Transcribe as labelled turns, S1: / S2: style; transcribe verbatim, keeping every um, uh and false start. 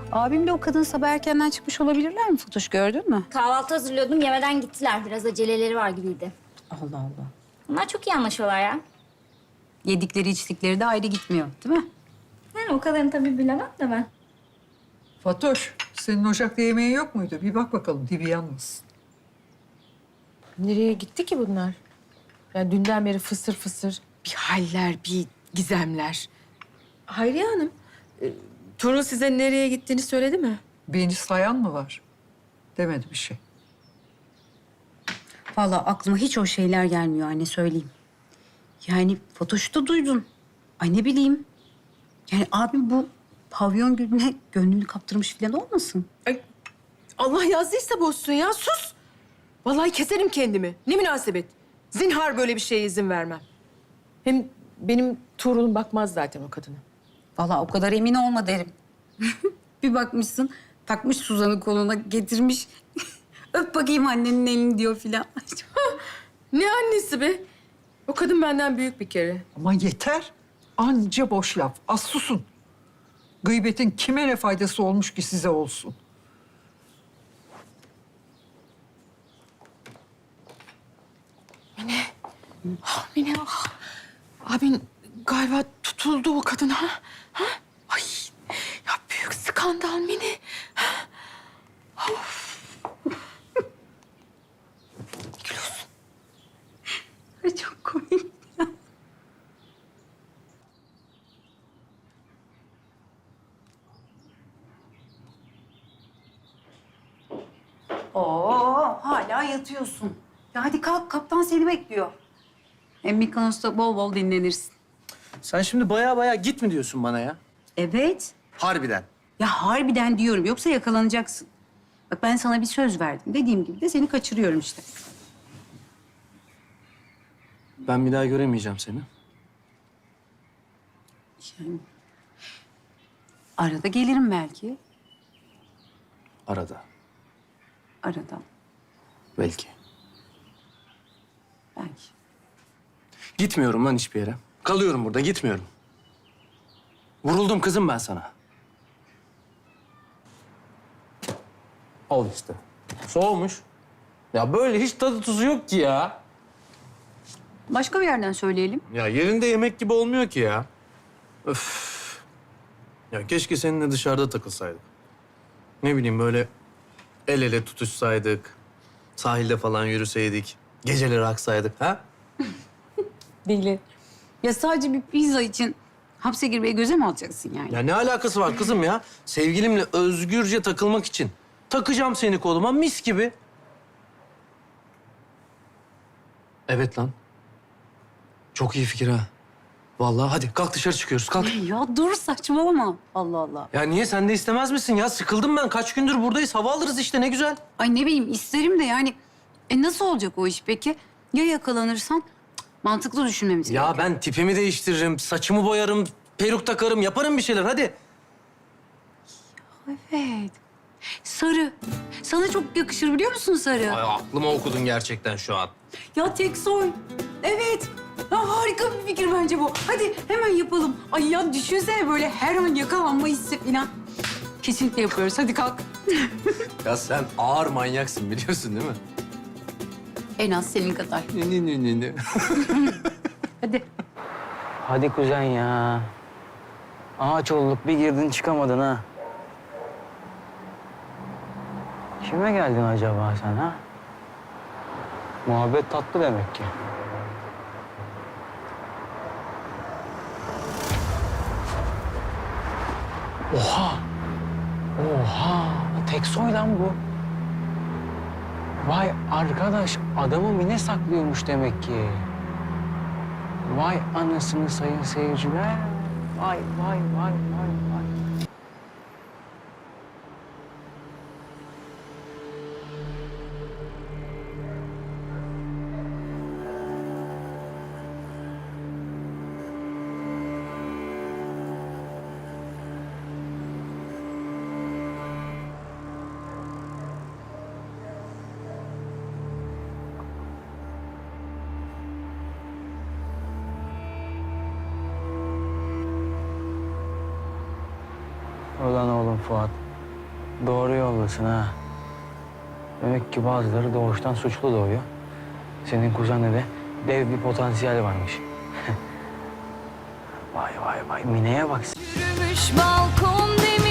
S1: Abim de o kadın sabah erkenden çıkmış olabilirler mi Fatoş, gördün mü?
S2: Kahvaltı hazırlıyordum, yemeden gittiler. Biraz aceleleri var gibiydi.
S1: Allah Allah.
S2: Bunlar çok iyi anlaşıyorlar ya.
S1: Yedikleri içtikleri de ayrı gitmiyor değil mi?
S2: Yani o kadarını tabii bilemem de ben.
S3: Fatoş, senin ocakta yemeğin yok muydu? Bir bak bakalım, dibi yanmasın.
S4: Nereye gitti ki bunlar? Yani dünden beri fısır fısır bir haller, bir gizemler. Hayriye Hanım, e, Tuğrul size nereye gittiğini söyledi mi?
S3: Beni sayan mı var? Demedi bir şey.
S1: Vallahi aklıma hiç o şeyler gelmiyor anne, söyleyeyim. Yani Fatoş'u da duydun. Ay ne bileyim. Yani abim bu pavyon gülüne gönlünü kaptırmış falan olmasın?
S4: Ay, Allah yazdıysa bozsun ya, sus! Vallahi keserim kendimi. Ne münasebet. Zinhar böyle bir şeye izin vermem. Hem benim Tuğrul'um bakmaz zaten o kadına.
S1: Vallahi o kadar emin olma derim. Bir bakmışsın takmış Suzan'ı koluna getirmiş. Öp bakayım annenin elini diyor filan.
S4: Ne annesi be? O kadın benden büyük bir kere.
S3: Ama yeter. Anca boş laf. Az susun. Gıybetin kime ne faydası olmuş ki size olsun?
S4: Mine, ah. Abin galiba tutuldu o kadına. Ha? Ay, ya büyük skandal Mine.
S1: Ay çok komik. Oo, hala yatıyorsun. Ya hadi kalk, kaptan seni bekliyor. Hem Mikonos'ta bol bol dinlenirsin.
S5: Sen şimdi baya baya git mi diyorsun bana ya?
S1: Evet.
S5: Harbiden.
S1: Ya harbiden diyorum, yoksa yakalanacaksın. Bak ben sana bir söz verdim. Dediğim gibi de seni kaçırıyorum işte.
S5: Ben bir daha göremeyeceğim seni.
S1: Yani arada gelirim belki.
S5: Arada.
S1: Arada
S5: Belki.
S1: belki.
S5: Gitmiyorum lan hiçbir yere. Kalıyorum burada, gitmiyorum. Vuruldum kızım ben sana. Al işte. Soğumuş. Ya böyle hiç tadı tuzu yok ki ya.
S1: Başka bir yerden söyleyelim.
S5: Ya yerinde yemek gibi olmuyor ki ya. Öf. Ya keşke seninle dışarıda takılsaydık. Ne bileyim böyle el ele tutuşsaydık. Sahilde falan yürüseydik. Geceleri aksaydık ha?
S1: Deli. Ya sadece bir pizza için hapse girmeye göze mi alacaksın yani?
S5: Ya ne alakası var kızım ya? Sevgilimle özgürce takılmak için. Takacağım seni koluma mis gibi. Evet lan. Çok iyi fikir ha. Vallahi hadi kalk dışarı çıkıyoruz kalk.
S1: Ya dur saçmalama. Allah Allah.
S5: Ya niye sen de istemez misin ya? Sıkıldım ben. Kaç gündür buradayız. Hava alırız işte ne güzel.
S1: Ay ne bileyim isterim de yani. E nasıl olacak o iş peki? Ya yakalanırsan? Cık, mantıklı düşünmemiz
S5: Ya
S1: gerekiyor.
S5: ben tipimi değiştiririm, saçımı boyarım, peruk takarım, yaparım bir şeyler hadi.
S1: Evet. Sarı. Sana çok yakışır biliyor musun sarı?
S5: Ay aklıma okudun gerçekten şu an.
S1: Ya tek soy. Evet. Ya harika bir fikir bence bu. Hadi hemen yapalım. Ay ya düşünsene böyle her an yakalanma hissi falan. Kesinlikle yapıyoruz. Hadi kalk.
S5: Ya sen ağır manyaksın biliyorsun değil mi?
S1: En az senin kadar.
S5: Ne ne ne ne ne.
S1: Hadi.
S6: Hadi kuzen ya. Ağaç olduk bir girdin çıkamadın ha. Kime geldin acaba sen ha? Muhabbet tatlı demek ki. Oha! Oha! Tek soy lan bu. Vay arkadaş adamı Mine saklıyormuş demek ki. Vay anasını sayın seyirciler. Vay vay vay vay vay. Ulan oğlum Fuat. Doğru yoldasın ha. Demek ki bazıları doğuştan suçlu doğuyor. Senin kuzende de dev bir potansiyel varmış. Vay vay vay, Mine'ye bak.
S7: Yürümüş balkon demir